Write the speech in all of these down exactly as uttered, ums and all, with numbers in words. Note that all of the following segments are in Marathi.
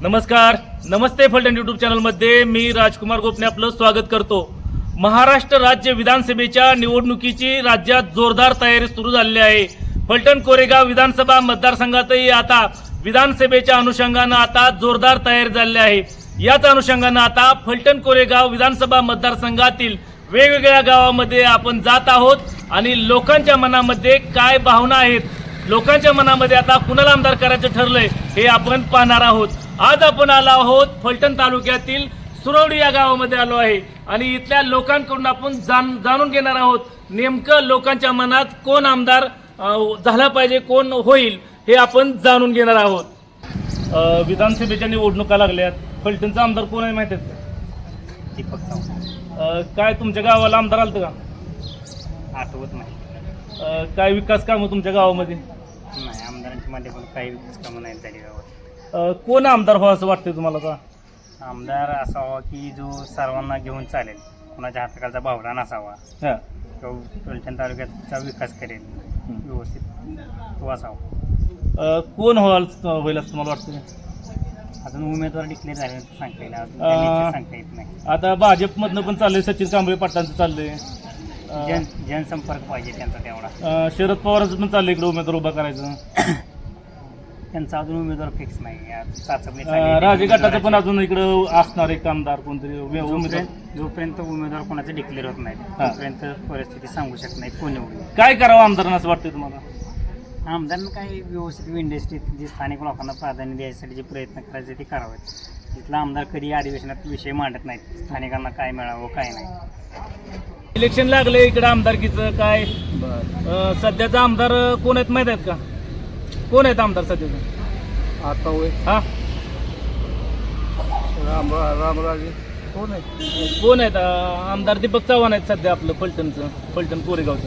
नमस्कार, नमस्ते फलटण यूट्यूब चॅनलमध्ये मी राजकुमार गोपने आपलं स्वागत करतो। महाराष्ट्र राज्य विधानसभेच्या निवडणुकीची राज्यात जोरदार तयारी सुरू झालेली आहे। फलटण कोरेगाव विधानसभा मतदारसंघातही आता विधानसभेच्या अनुषंगाने आता जोरदार तयारी झालेली आहे। याच अनुषंगाने आता फलटण कोरेगाव विधानसभा मतदारसंघातील वेगवेगळ्या गावांमध्ये आपण जात आहोत आणि लोकांच्या मनामध्ये काय भावना आहेत, लोकांच्या मनामध्ये आता कुणाला आमदार करायचं ठरलंय हे आपण पाहणार आहोत। आज आपण आलो आहोत फलटण तालुक्यातील सुरवडी या गावामध्ये आलो आहे आणि इथल्या लोकांकडून आपण जाण जाणून घेणार आहोत नेमकं लोकांच्या मनात कोण आमदार झाला पाहिजे, कोण होईल हे आपण जाणून घेणार आहोत। विधानसभेच्या निवडणुका लागल्यात, फलटणचा आमदार कोण आहे माहिती आहे का? दीपक चव्हाण। काय तुमच्या गावाला आमदार आलतं का? आठवत नाही। काय विकास कामं तुमच्या गावामध्ये? नाही, आमदारांच्या मध्ये पण काही विकास कामं नाही झाली गावात। कोण आमदार व्हावं असं वाटतंय तुम्हाला का? आमदार असावा की जो सर्वांना घेऊन चालेल, कोणाच्या हाताखालचा भावडा नसावा, हां, तो फलटण तालुक्याचा विकास करेल व्यवस्थित, तो असावा। कोण व्हाल होईल असं तुम्हाला वाटतं? अजून उमेदवार डिक्लेअर झाले सांगता येईल, अजून त्या लेखी सांगता येत नाही। आता भाजपमधनं पण चाललंय, सचिन कांबळे पाटलांचं चाललंय, जन जनसंपर्क पाहिजे त्यांचा तेवढा। शरद पवारांचं पण चाललंय इकडे उमेदवार उभा करायचं, त्यांचा अजून उमेदवार फिक्स नाही। चाचपणी राजे गटाचं पण अजून इकडं असणार एक आमदार कोणतरी उमेदवार। जोपर्यंत उमेदवार कोणाचे डिक्लेअर होत नाही तोपर्यंत परिस्थिती सांगू शकत नाही कोण होईल। काय करावं आमदारांना असं वाटतंय तुम्हाला? आमदारांना काही व्यवस्थित इंडस्ट्रीत जे स्थानिक लोकांना प्राधान्य द्यायसाठी जे प्रयत्न करायचे ते करावेत। इथला आमदार कधी अधिवेशनात विषय मांडत नाहीत, स्थानिकांना काय मिळावं काय नाही। इलेक्शन लागले इकडे आमदारकीचं काय? सध्याचा आमदार कोण आहेत माहित आहेत का? कोण आहेत आमदार सध्याचं? आता होय हा, राम रामराजे कोण आहे? कोण आहेत? आमदार दीपक चव्हाण आहेत सध्या आपलं फलटणचं, फलटण कोरेगावचं।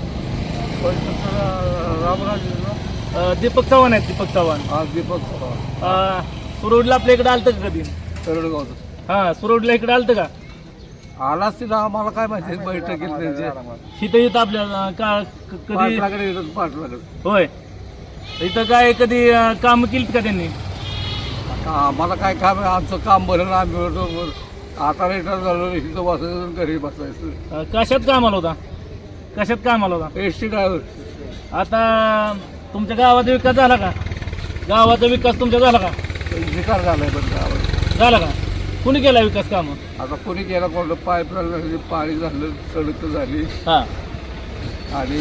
रामराजे ना? दीपक चव्हाण आहेत, दीपक चव्हाण। हा, दीपक चव्हाण। सुरोडला आपल्या इकडे आलतं का कधी? तरडगावचं। हा, सुरोडला इकडे आलतं का? आलाच तिला आम्हाला काय माहिती बैठकीत त्यांचे इथं इथं आपल्या का कधी? पाटलाकडे येतात, पाटलाकडे। होय, इथं काय कधी काम केलीत का त्यांनी? आता आम्हाला काय काम आहे, आमचं काम बरं ना, आम्ही बरोबर आता रिटायर झालो, इथं बसायचं घरी बसायचं। कशात कामाला होता? कशात कामाला होता? S T driver. आता तुमच्या गावाचा विकास झाला का? गावाचा विकास तुमचा झाला का? विकार झालाय पण गावात झाला का? कुणी केला विकास कामं? आता कोणी केला, कोणतं पाईपलाईन झाली, पाणी झालं, सडक झाली हा, आणि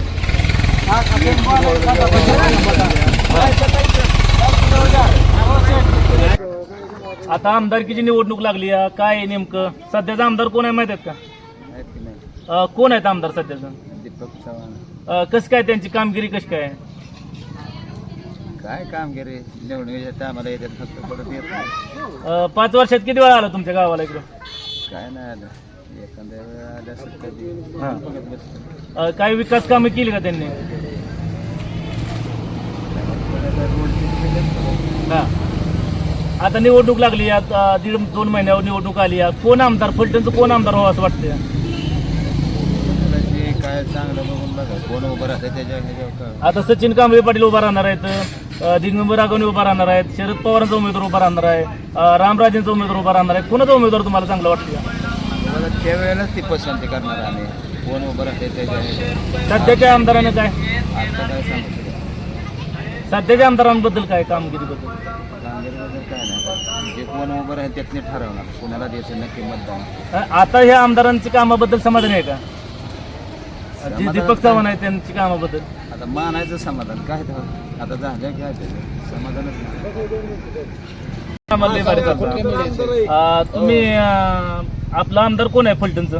आता आमदारकीची निवडणूक लागली आहे, काय आहे नेमकं सध्याचा आमदार कोण आहे माहित आहेत का? अं, कोण आहेत आमदार सध्याचं? दीपक चव्हाण। अं, कसं काय त्यांची कामगिरी कशी काय? काय कामगिरी निवडणुकीच्या आम्हाला येतात, फक्त परत येत नाही। अं, पाच वर्षात किती वेळा आला तुमच्या गावाला इकडं? काय नाही आलं, एखाद्या वेळा आलं असेल कधी। हां, अं, काय विकास कामं केली का त्यांनी? हां, आता निवडणूक लागली, आता दीड दोन महिन्यावर निवडणूक आली आहे, कोण आमदार फलटणचं कोण आमदार व्हावं असं वाटतं? काय चांगलं बघून बघा कोण उभं राहतं त्याच्या ह्याच्यावर। आता सचिन कांबळे पाटील उभा राहणार आहेत, दिगंबर राघवणे उभा राहणार आहेत, शरद पवारांचा उमेदवार उभा राहणार आहे, रामराजेंचा उमेदवार उभा राहणार आहे, कोणाचा उमेदवार तुम्हाला चांगला वाटतं? त्या वेळेलाच ती पसंती करणार आम्ही, कोण उभं राहते त्याच्या ह्याच्यावर। सध्याच्या आमदारांना काय? आता काय सांगू शकतो सध्याच्या आमदारांबद्दल काय, कामगिरीबद्दल? कामगिरीबद्दल काय नाही, जे कोण उभं राहील त्यातने ठरवणार कोणाला द्यायचं नक्की मतदान। आता ह्या आमदारांची कामाबद्दल समाधान आहे का? जी दीपक चव्हाण आहे त्यांची कामाबद्दल आता मानायचं समाधान काय तर आता झालं काय त्याचं समाधानच नाही। तुम्ही आपला आमदार कोण आहे फलटणचं?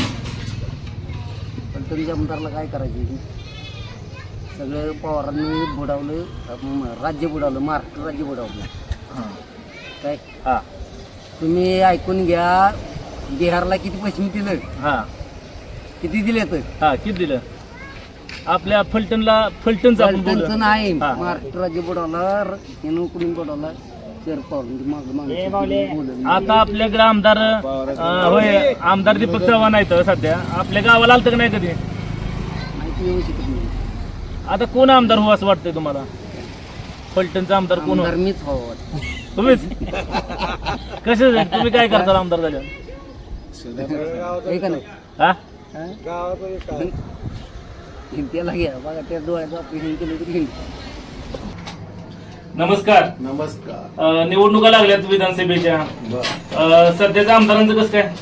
पण तुमच्या आमदारला काय करायचे? सगळं पवारांनी बुडावलं, राज्य बुडावलं, महाराष्ट्र राज्य बुडावलं। काय हां, तुम्ही ऐकून घ्या, बिहारला किती पैसे दिलं? हां, किती दिले तर? हां, किती दिलं? आपल्या फलटणला, फलटणचं आपण बोलू. त्यांचं नाही, हां. महाराष्ट्र राज्य बुडावला, यानं कुठून बुडावला? शरद पवार। आता आपल्याकडे आमदार अं, होय, आमदार दीपक चव्हाण आहेत सध्या, आपल्या गावाला आलतं का नाही कधी? माहिती येऊ शकत नाही। आता कोण आमदार हो असं वाटतंय तुम्हाला? फलटणचा आमदार कोण हो? आमदार मीच हवं वाटतं। तुम्हीच कसे तुम्ही काय करता आमदार झाल्यावर हे का नाही हा त्याला घ्या बघा त्या डोळ्याचं ऑपरेशन केलं तरी घेईल. नमस्कार. नमस्कार. अं, निवडणुका लागल्यात विधानसभेच्या. अं, सध्याच्या आमदारांचं कसं काय?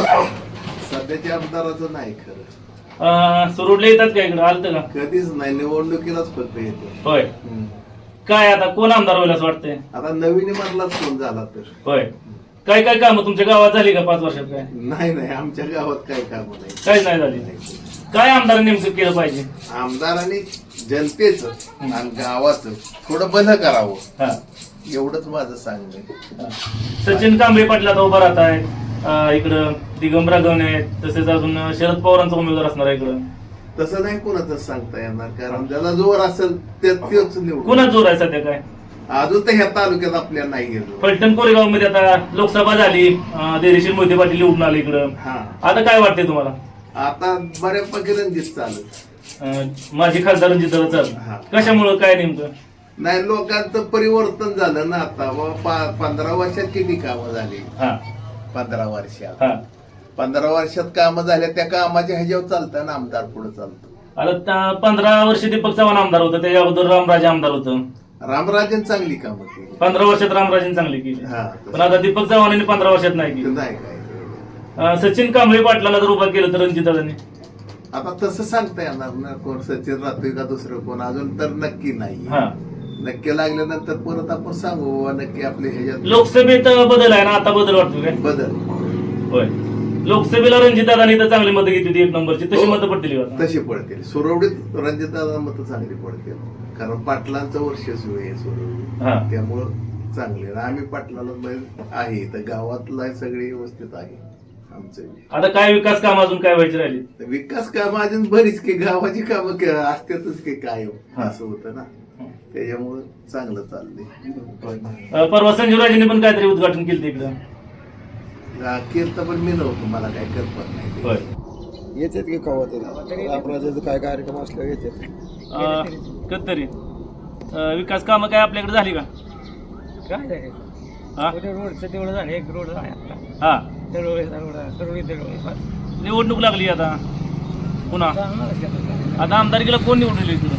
सध्याच्या आमदाराचं नाही खरं, अं, सुरुडले येतात का इकडं आलतं का? कधीच नाही, निवडणुकीलाच फक्त येतो. होय. हम्म. काय आता कोण आमदार होईल असं वाटतंय? आता नवीन मधलाच फोन झाला तर होय. काय काय कामं तुमच्या गावात झाली का पाच वर्षात? काय नाही नाही आमच्या गावात काही काम नाही. काहीच नाही झाली. काय आमदार नेमकं केलं पाहिजे? आमदारांनी जनतेचं आणि गावाचं थोडं बंद करावं, हा. एवढंच माझं सांगणं आहे. हा. सचिन कांबळे पाटील आता उभा राहत आहेत. अं, इकडं दिगंबरा गवणे आहेत, तसेच अजून शरद पवारांचा उमेदवार असणार आहे इकडं. तसं नाही कोणाचं सांगता येणार, कारण ज्याला जोर असेल ते तेच निवडून. कोणाच जोर आहे सध्या? काय अजून तर ह्या तालुक्यात आपल्याला नाही गेलो. फलटण कोरेगाव मध्ये आता लोकसभा झाली, अं, देरीशील मोहिते पाटील निवडून आले इकडं. हा, आता काय वाटतंय तुम्हाला? आता बऱ्यापैकी रणजित चालत. अं, माझी खासदार रणजित हा. चाल कशामुळं काय नेमकं? नाही, लोकांचं परिवर्तन झालं ना आता. व पा- पंधरा वर्षात किती कामं झाली? हा पंधरा वर्षात हा पंधरा वर्षात कामं झाल्या, त्या कामाच्या ह्याच्यावर चालतं ना आमदार पुढे चालतो. आता त्या पंधरा वर्ष दीपक चव्हाण आमदार होतं, त्याच्या अगोदर रामराजे आमदार होतं. रामराजन चांगली कामं केली. पंधरा वर्षात रामराजेंनी चांगली केली, हा, पण आता दीपक चव्हाणांनी पंधरा वर्षात नाही केली. नाही काय अं, सचिन कांबळे पाटलाला जर उभा केलं तर रणजितदादांनी. आता तसं सांगता येणार ना, कोण सचिन राहतोय का दुसरं कोण, अजून तर नक्की नाही. हा. नक्की लागल्यानंतर परत आपण सांगू बाबा नक्की आपले ह्याच्यात लोकसभेत बदल आहे ना, आता बदल वाटतो काय? बदल. होय. लोकसभेला रणजितदादांनी तर चांगली मतं घेतली होती, एक नंबरची. तशी हो. मतं पडतील का? तशी पडतील. सुरवडीत रणजितदादा मतं चांगली पडतील, कारण पाटलांचं वर्षस्व आहे हा. सुरवडी, त्यामुळं चांगले. आम्ही पाटलाला बैल आहे तर गावातला सगळे व्यवस्थित आहे आमचं. आता काय विकास काम अजून काय व्हायची राहिली? तर विकास कामं अजून बरीच की गावाची कामं क- असतातच की काय हा. असं होतं ना, त्याच्यामुळं चांगलं चाललंय. अं, परवा संजीव राजेंनी पण काहीतरी उद्घाटन केलं इकडं. केलं पण मी नव्हतो, मला काय कल्पना नाही ते. होय. येतात की कवा तरी आपला काय कार्यक्रम असल्यावर येतात. अं, कधीतरी अं, विकास कामं काय आपल्याकडे झाली का? काय झालं हा रोडचं तेवढं झालं, एक रोड आहे आता हा तळोळी रोड तळोळी तळोळी बस. निवडणूक लागली आता पुन्हा. चांगलं केलं. आता आमदारकीला कोण निवडून इकडं?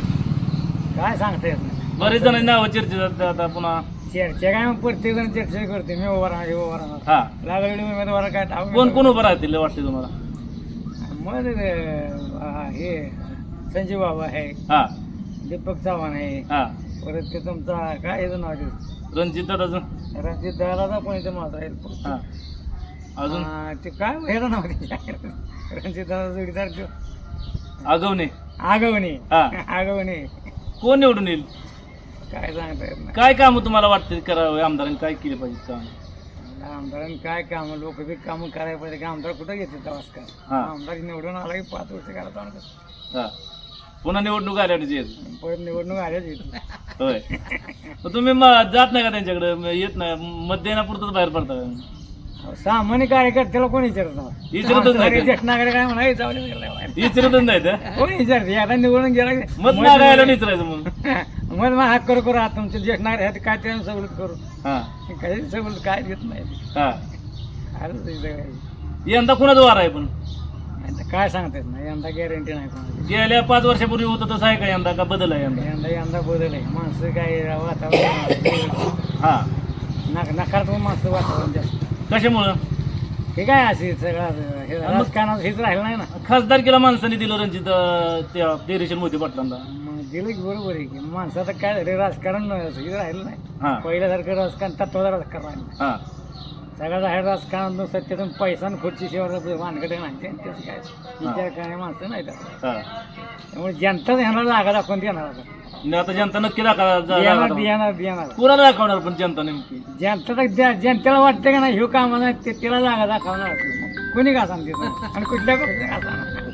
काय सांगता येत नाही. बरेच जणांनी नावं चर्चेत आहेत आता पुन्हा. चर्चा काय मग प्रत्येक जण चर्चा करते, मी उभा राहणार हे उभा राहणार. हा. लागलेली उमेदवार काय ठाऊक कोण नाही. कोण उभं राहतील वाटते तुम्हाला? मग अं, हे संजय बाबा आहे, हा दीपक चव्हाण आहे, हा परत ते तुमचा काय याचं नाव आहे? रणजित दादाचं. रणजित दादाचा पण इथे माझा आहे. हा अजून अं, ते काय ह्याचं नाव आहे? रणजित दादा जोडीदार तो आगवणे. आगवणे. हा. आगवणे. कोण निवडून येईल? काय सांगता येत नाही. काय काम तुम्हाला वाटते करावं? आमदारांनी काय केले पाहिजे काम? आमदारांनी काय काम, लोक बी कामं करायला पाहिजे. की आमदार कुठं घेते नमस्कार? हा. आमदार निवडून आला की पाच वर्ष करा चालतं. हा पुन्हा निवडणूक आल्या परत निवडणूक आल्याच येत. होय. मग तुम्ही म- जात नाही का त्यांच्याकडे? म- येत नाही, मत देण्यापुरतच बाहेर पडता का? सामान्य कार्यकर्त्याला कोण विचारत नाही. विचारतच नाही का? ज्येष्ठ नागरिक काय म्हणा जाऊ दे गेला बाहेर. विचारतच नाही तर कोण विचारते? आता निवडून गेला की मत मागायला विचारायचं मग. मग मग हात करू करू आता तुमचे ज्येष्ठ नागरिक आहेत काय त्यांना सवलत करू. हा काही सवलत काय देत नाही. हा आलंच आहे सगळं. यंदा कुणाचं वार आहे? पण आता काय सांगता येत नाही. यंदा गॅरंटी नाही कोणाची. गेल्या पाच वर्षापूर्वी होतं तसं आहे का यंदा? का बदल आहे यंदा? यंदा यंदा बदल आहे. माणसं काय वातावरण हा नक नकारात्मक माणसं वातावरण जास्त. कशामुळं? हे काय असे सगळं हे राजकारणात हेच राहिलं नाही ना. खासदारकीला माणसाने दिलं रणजित अं, त्या देरेशील मोहिते पाटलांना. मग दिलं की बरोबर आहे की माणसाचं काय झालं राजकारण हे राहिलं नाही. हा पहिल्यासारखं राजकारण तत्वाचं राजकारण राहिलं नाही. हा सगळं आहे राजकारण सत्यातून पैसा आणि खुर्ची शिवाय वानकडे नाही. त्यांच्याच काय विचार करणारे माणसं नाही त्यात. हा त्यामुळे जनताच ह्यांना जागा दाखवून देणार आता. आणि आता जनता नक्की दाखवा देणार देणार देणार कुणाला दाखवणार पण जनता नेमकी? जनता तर जनतेला वाटतं का नाही ह्यो काम नाही ते त्याला जागा दाखवणार. कोणी का सांगते आणि कुठल्या पक्षाने का सांगणार?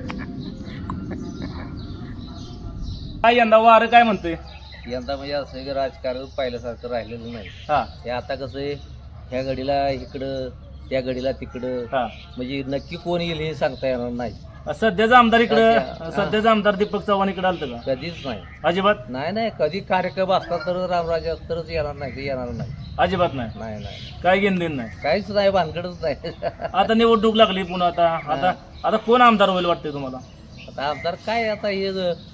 काय यंदा वारं काय म्हणतोय? यंदा म्हणजे असं की राजकारण पहिल्यासारखं राहिलेलं नाही. हा हे आता कसं आहे, ह्या घडीला इकडं त्या घडीला तिकडं, हा म्हणजे नक्की कोण येईल हे सांगता येणार नाही. सध्याचा आमदार इकडं सध्याचा आमदार दीपक चव्हाण इकडे आलतं का? कधीच नाही अजिबात नाही नाही कधी कार्यक्रम असला तर रामराजे तरच येणार नाही ते येणार नाही अजिबात नाही नाही नाही काय घेणं देणं नाही. काहीच नाही भानगडच नाही आता निवडणूक लागली पुन्हा आता आता आता कोण आमदार होईल वाटतंय तुम्हाला? आता आमदार काय आता हे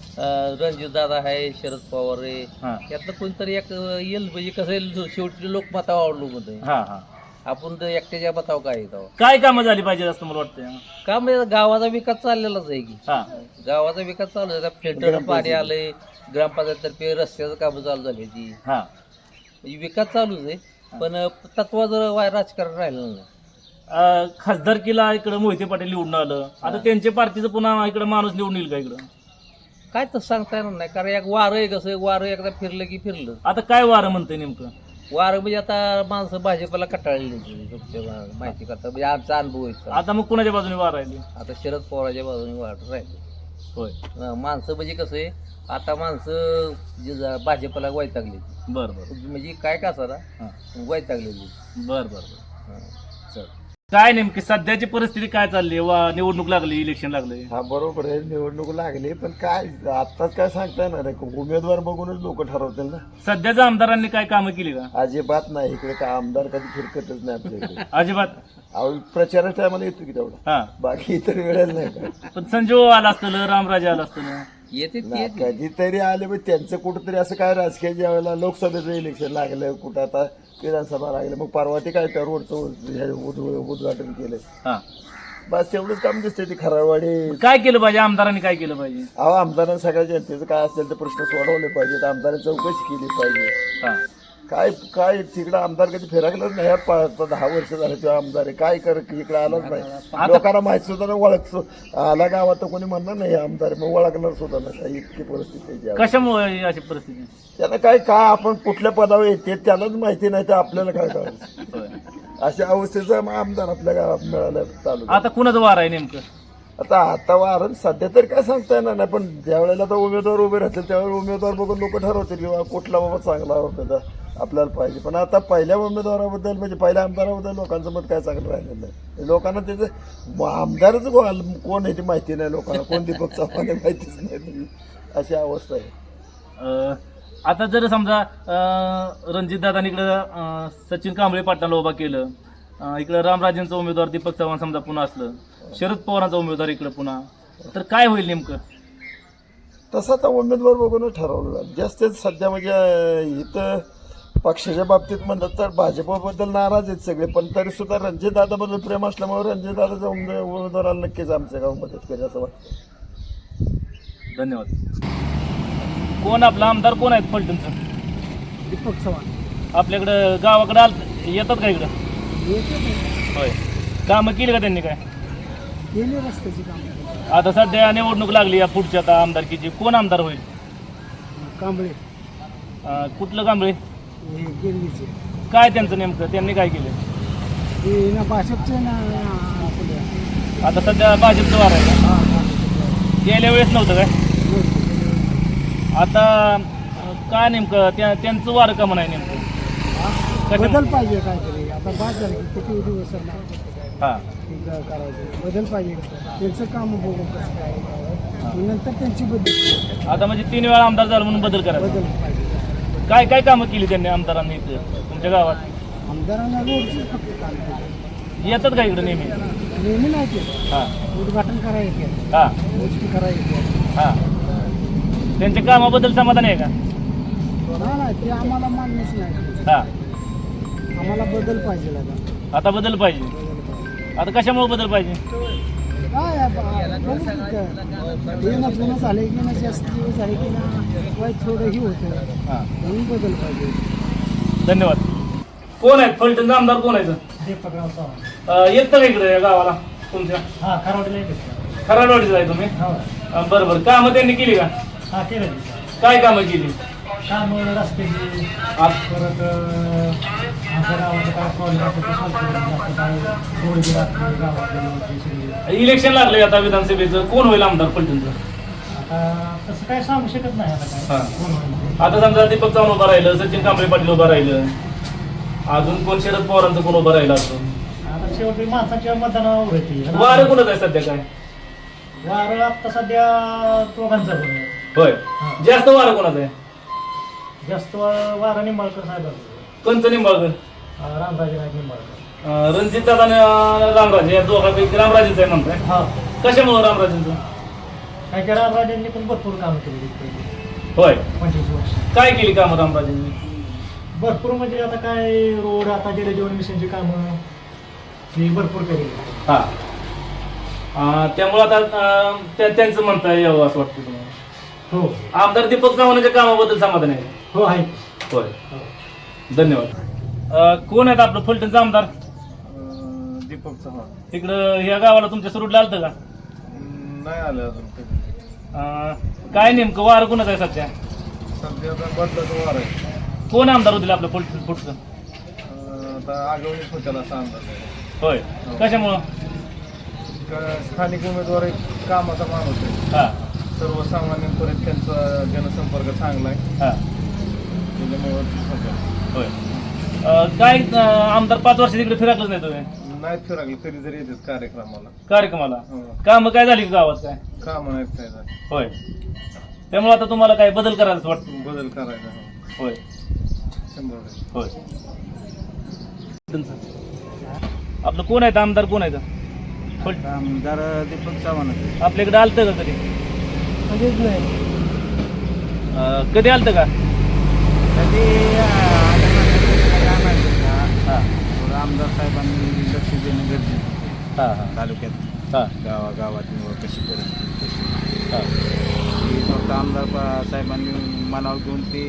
रणजित दादा आहे शरद पवार आहे हा यातलं कोणतरी एक येईल म्हणजे कसं येईल शेवटी लोकमतावर अवलंबून आहे हा हा आपण तर एकट्याच्या मतावर काय येतो काय कामं झाली पाहिजे असं मला वाटतंय? का म्हणजे गावाचा विकास चाललेलाच आहे की हा गावाचा विकास चालू आहे फिल्टर पाणी आलंय ग्रामपंचायततर्फे रस्त्याचं काम चालू झाली ती हा म्हणजे विकास चालूच आहे पण तत्वाचं वाय राजकारण राहिलं नाही. अं, खासदारकीला इकडं मोहिते पाटील निवडून आलं आता त्यांच्या पार्टीचं पुन्हा इकडं माणूस निवडून येईल का इकडं? काय तर सांगता येणार नाही कारण एक वारं आहे कसं वारं एकदा फिरलं की फिरलं आता काय वारं म्हणतंय नेमकं? वारं म्हणजे आता माणसं भाजपला कटाळली माहिती करता म्हणजे आमचा अनुभव आहे आता मग कुणाच्या बाजूने वार राहिली? आता शरद पवाराच्या बाजूने वाढत राहिले होय अं, माणसं म्हणजे कसं आहे आता माणसं जे जा- भाजपला वैतागली बर बर म्हणजे काय का सरा हा वैतागलेली बर बर बर चल काय नेमकी सध्याची परिस्थिती काय चालली वा निवडणूक लागली इलेक्शन लागले? हा बरोबर आहे निवडणूक लागली पण काय आत्ताच काय सांगता येणार आहे उमेदवार बघूनच लोक ठरवतील ना. सध्याच्या आमदारांनी काय कामं केली का? अजिबात नाही इकडे काय आमदार कधी फिरकतच नाही आपल्या इकडे अजिबात अहो प्रचाराच्या टायमाला येतो की तेवढा हा बाकी इतर वेळेला नाही का पण संजीव आला असतं रामराजे आला असतं ना. येते नाही, कधीतरी आले पण त्यांचं कुठंतरी असं काय राजकीय ज्या वेळेला लोकसभेचं इलेक्शन लागलं कुठं आता विधानसभा लागलं मग परवा ते काय त्या रोडचं हे उद्घ- उद्घाटन केलं हा बस तेवढंच काम दिसतंय ते खराडवाडी. काय केलं पाहिजे आमदारांनी काय केलं पाहिजे? अहो आमदारांनी सगळ्या जनतेचं काय असेल ते प्रश्न सोडवले पाहिजेत आमदारांनी चौकशी केली पाहिजे. हा काय काय तिकडं आमदार कधी फिरकलंच नाही ह्या पा- दहा वर्ष झाले तेव्हा आमदार आहे काय कर इकडे आलाच नाही लोकांना माहिती सुद्धा नाही ओळख आला गावात तर कोणी म्हणणार नाही हे आमदार आहे, मग ओळखणार सुद्धा नाही काही इतकी परिस्थिती आहे त्यावेळी. कशामुळे अशी परिस्थिती? त्यांना काय काय आपण कुठल्या पदावर येते त्यालाच माहिती नाही तर आपल्याला काय करायचं होय. अशा अवस्थेचा मग आमदार आपल्या गावात मिळाला चालू आता कुणाचं वार आहे नेमकं? आता आता वारण सध्या तर काय सांगता येणार नाही पण ज्या वेळेला तर उमेदवार उभे राहतील त्यावेळेला उमेदवार बघून लोक ठरवतील किंवा कुठला बाबा चांगला उमेदवार आपल्याला पाहिजे. पण आता पहिल्या उमेदवाराबद्दल म्हणजे पहिल्या आमदाराबद्दल लोकांचं मत काय चांगलं राहिलेलं नाही. लोकांना त्याचं आमदारच कोण कोण आहे ती माहिती नाही लोकांना कोण दीपक चव्हाण आहे माहितीच नाही अशी अवस्था आहे. अं, आता जर समजा रणजितदादांनी इकडं अं, सचिन कांबळे पाटलाला उभा केलं अं, इकडं रामराजेंचा उमेदवार दीपक चव्हाण समजा पुन्हा असलं शरद पवारांचा उमेदवार इकडं पुन्हा तर काय होईल नेमकं? तसं आता उमेदवार बघूनच ठरवलं जाईल. जास्त सध्या म्हणजे इथं पक्षाच्या बाबतीत म्हणतात तर भाजपबद्दल नाराज आहेत सगळे पण तरी सुद्धा रणजितदादाबद्दल प्रेम असल्यामुळे रणजितदादाचा उमेद उमेदवाराला नक्कीच आमच्या गाव मदत करेल असं वाटतं. धन्यवाद. कोण आपला आमदार कोण आहेत फलटणचं? दीपक चव्हाण आपल्याकडं गावाकडं आल येतात का इकडं? होय. कामं केली का त्यांनी काय? गेले रस्त्याची काम आता सध्या निवडणूक लागली या पुढच्या आता आमदारकीची कोण आमदार होईल? कांबळे अं, कुठलं कांबळे? हे गिरवीचे काय त्यांचं नेमकं त्यांनी काय केलं? हे ना भाजपचे ना आता सध्या भाजपचं वार आहे का? गेल्या वेळेस नव्हतं काय? आता अं, काय नेमकं त्या त्यांचं वारं का म्हणाय नेमकं? बदल पाहिजे काहीतरी आता बाद झालं की किती दिवस हां करायचं बदल पाहिजे त्यांचं काम बघू कसं काय मग नंतर त्यांची बदल आता म्हणजे तीन वेळा आमदार झाला म्हणून बदल करायचा. बदल पाहिजे. काय काय कामं केली त्यांनी आमदारांनी इथं तुमच्या गावात? आमदारांना रोडचीच फक्त काम केलं. येतात का इकडं नेहमी? नेहमी नाही केलं हां उद्घाटन करायचं हां मोजकी करायची हां त्यांच्या कामाबद्दल समाधान आहे का? नाही नाही ते आम्हाला मान्यच नाही हां आम्हाला बदल पाहिजे आता आता बदल पाहिजे. आता कशामुळे बदल पाहिजे? काय येणं जुनं झालं की ना जास्त दिवस झाले की ना वाईट थोडंही होतं हां म्हणून बदल पाहिजे. धन्यवाद. कोण आहेत फलटणचा आमदार कोण आहे? दीपकराव चव्हाण अं, येतं का इकडं या गावाला तुमच्या? हा खरावडीला येते खराडवाडीचं आहे तुम्ही? हो अं, बरं बरं कामं त्यांनी केली का? हा केलं काय कामं केली? काम रस्त्याची आज परत आमच्या गावाचं काय प्रॉब्लेम असतो ते सॉल्व्ह करून जातं काय रोड राहते गावातले इलेक्शन लागले आता विधानसभेचं कोण होईल आमदार फलटणचं? आता तसं काय सांगू शकत नाही आता काय हां. कोण होईल. आता समजा दीपक चव्हाण उभं राहिलं सचिन कांबळे पाटील उभं राहिलं अजून कोण शरद पवारांचं कोण उभं राहिलं असं आता शेवटी माणसाच्या मतदानावर होती वारं कोणच आहे सध्या काय? वारं आता सध्या दोघांचा पण आहे. होय जास्त वारं कोणाचं आहे? जास्त वारं निंबाळकर साहेबांचं, कंच निंबाळकर, रामराजे नाईक निंबाळकर. रणजित दादा आणि रामराजे या दोघांपैकी रामराजेच आहे म्हणताय. हा, कशामुळे रामराजेंचं? काय की रामराजेंनी पण भरपूर कामं केली पहिली होय, पंचवीस वर्ष. काय केली कामं रामराजेंनी? भरपूर म्हणजे आता काय रोड, आता जलजीवन मिशनची कामं ही भरपूर केली. हा अं, त्यामुळे आता अं, त्या- त्यांचं म्हणता यावं असं वाटतं तुम्हाला? हो आमदार दीपक चव्हाणांच्या कामाबद्दल समाधान आहे? हो आहे. होय, धन्यवाद. अं, कोण आहेत आपलं फलटणचं आमदार? दीपक चव्हाण इकडं या गावाला तुमच्या सुरूडला आलतं का? नाही आलं अजून अं, काय नेमकं वारं कोणाचं आहे सध्या? सध्या आता बदलाचं वार आहे. कोण आमदार होतील आपलं फलटण पुढचं? आता आगवणीच होत्याला असा अंदाज आहे. होय, कशामुळं? स्थानिक उमेदवार एक कामाचा माणूस आहे. हा सर्वसामान्यांपर्यंत त्यांचा जनसंपर्क चांगला आहे. हा त्याच्यामुळे होय. अं, काय अं, आमदार पाच वर्ष तिकडे फिरकलंच नाही तुम्ही नाहीत फिरागले कधीतरी येतात कार्यक्रमाला. कार्यक्रमाला? हो. कामं काय झाली का गावात काय? काम नाहीत काय झालं. होय, त्यामुळे आता तुम्हाला काय बदल करायचं वाटतं? बदल करायचा हो. होय शंभर टक्के. होय. आपलं कोण आहेत आमदार, कोण आहेत? फल- आमदार दीपक चव्हाण आपल्याकडे आलतं का कधी? कधीच नाही. अं, कधी आलतं का? कधी हा आमदार साहेबांनी लक्ष देणं गरजेचं हा हा तालुक्यात हा गावागावात निवड कशी परिस्थिती कशी हा ती फक्त आमदार पा- साहेबांनी मनावर घेऊन ते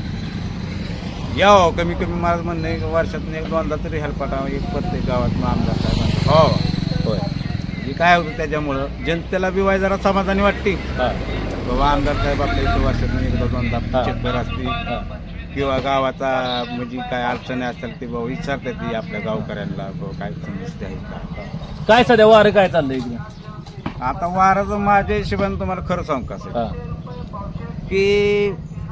यावं. कमी कमी माझं म्हणणं आहे की वर्षातून एक दोनदा तरी हेल्पाटा एक प्रत्येक गावात आमदार साहेबांचा हो होय हे काय होतं त्याच्यामुळं जनतेला बी वाय जरा समाधानी वाटते हा बाबा आमदार साहेब आपल्या इथं वर्षातून एकदा दोनदा हा. चक्कर असते हा किंवा गावाचा म्हणजे काय अडचणी असतील ते बाबा विचारतात ती आपल्या गावकऱ्यांना बाबा काय समस्या आहे का. काय सध्या वारं काय चाललंय इकडे? आता वाराचं माझ्या हिशोबाने तुम्हाला खरं सांगू का साहेब, हा की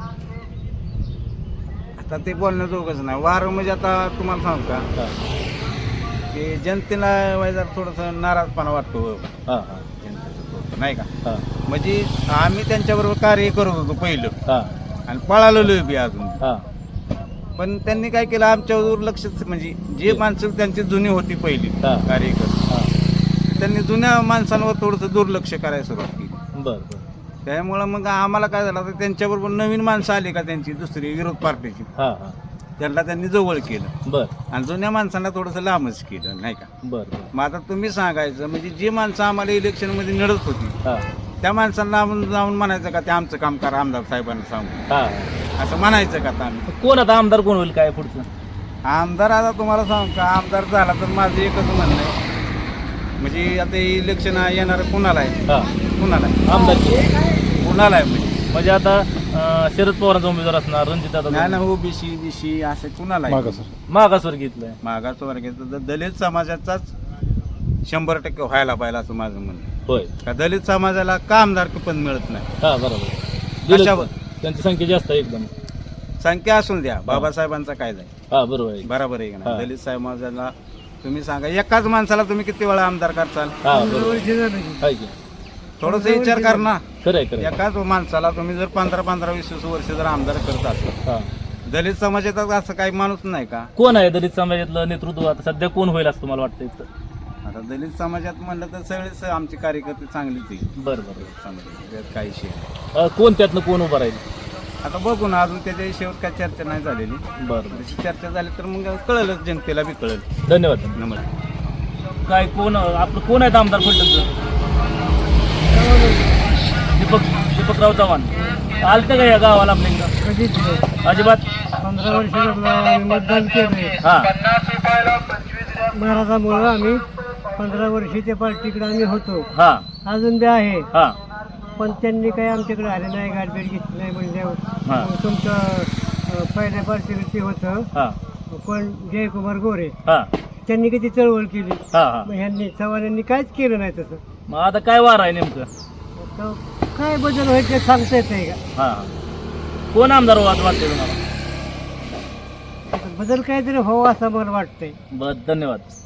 आता ते बोलण्याजोगंच नाही. वारं म्हणजे आता तुम्हाला सांगू का हा की जनतेला वाय जरा थोडंसं नाराजपणा वाटतो हा हा जनतेचं थोडंसं, नाही का. हा म्हणजे आम्ही त्यांच्याबरोबर कार्य करत होतो पहिलं हा आणि पळालेलो बी अजून, हा पण त्यांनी काय केलं आमच्यावर दुर्लक्ष. म्हणजे जे माणसं त्यांची जुनी होती पहिली हा. कार्यकर्ते हा त्यांनी जुन्या माणसांवर थोडंसं दुर्लक्ष करायला सुरुवात केली. बर बर त्यामुळं मग आम्हाला काय झालं तर त्यांच्याबरोबर नवीन माणसं आली का त्यांची दुसरी विरोध पार्टीची हा हा त्यांना त्यांनी जवळ केलं बर आणि जुन्या माणसांना थोडंसं लांबच केलं, नाही का. बर बर मग आता तुम्ही सांगायचं म्हणजे जे माणसं आम्हाला इलेक्शनमध्ये लढत होती हा त्या माणसांना आपण जाऊन म्हणायचं का ते आमचं काम करा आमदार साहेबांना सांगू, हा असं म्हणायचं का आता आम्ही. कोण आता आमदार कोण होईल काय पुढचं? आमदार आता तुम्हाला सांगू का आमदार झाला तर माझं एकच म्हणणं आहे म्हणजे आता इलेक्शन येणार कुणाला आहे हा कुणाला आहे आमदार कुणाला आहे म्हणजे म्हणजे आता अं, शरद पवारांचा उमेदवार असणार, रणजित नाही दादा ना ओबीसी बीसी असं कुणाला आहे मागासवर्गीतलं आहे. मागासवर्गीय तर दलित समाजाचाच शंभर टक्के व्हायला पाहिजे असं माझं म्हणणं आहे. होय का दलित समाजाला का आमदार पण मिळत नाही. हा बरोबर कशावर? त्यांची संख्या जास्त आहे एकदम. संख्या असून द्या बाबासाहेबांचा काय जाईल हा बरोबर आहे. बरोबर आहे का हा. नाही. दलित समाजाला तुम्ही सांगा एकाच माणसाला तुम्ही किती वेळा आमदार करचाल हा बरोबर आहे की. थोडंसं विचार कर ना. खरं आहे खरं आहे. एकाच माणसाला तुम्ही जर पंधरा पंधरा वीस वीस वर्ष जर आमदार करत असाल हा दलित समाजात असं काही माणूस नाही का. कोण आहे दलित समाजातलं नेतृत्व आता सध्या कोण होईल असं तुम्हाला वाटतं इथं? आता दलित समाजात म्हणलं तर सगळेच आमचे कार्यकर्ते चांगलेच आहे बरं बरं समाजात त्यात काही विषय नाही. अं, कोण त्यातनं कोण उभं राहील? आता बघू ना अजून त्याच्या शेवट काय चर्चा नाही झालेली. बरं बरं जशी चर्चा झाली तर मग कळलंच जनतेला बी कळेल. धन्यवाद. नमस्कार. काय कोण आपलं कोण आहेत आमदार फलटणचं? दीपक दीपकराव चव्हाण आलतं का या गावाला आपल्या इकडं? कधीच नाही. अजिबात? पंधरा वर्ष आम्ही मतदान केलंय हा महाराजामुळं. आम्ही पंधरा वर्षी त्या पार्टीकडे आम्ही होतो, हा अजून बी आहे. हा पण त्यांनी काही आमच्याकडे आले नाही, गाठभेट घेतली नाही हा. म्हणल्यावर मग तुमचं अं, पहिल्या पार्टीकडे ते होतं हा पण जयकुमार गोरे, हा त्यांनी किती चळवळ केली. हा हा मग ह्यांनी चव्हाण यांनी काहीच केलं नाही तसं. मग आता काय वार आहे नेमकं? आता काय बदल व्हायचे सांगता येत नाही का. हा कोण आमदार व्हावं असं वाटतंय तुम्हाला? बदल काहीतरी व्हावं असं मला वाटतंय. बरं धन्यवाद.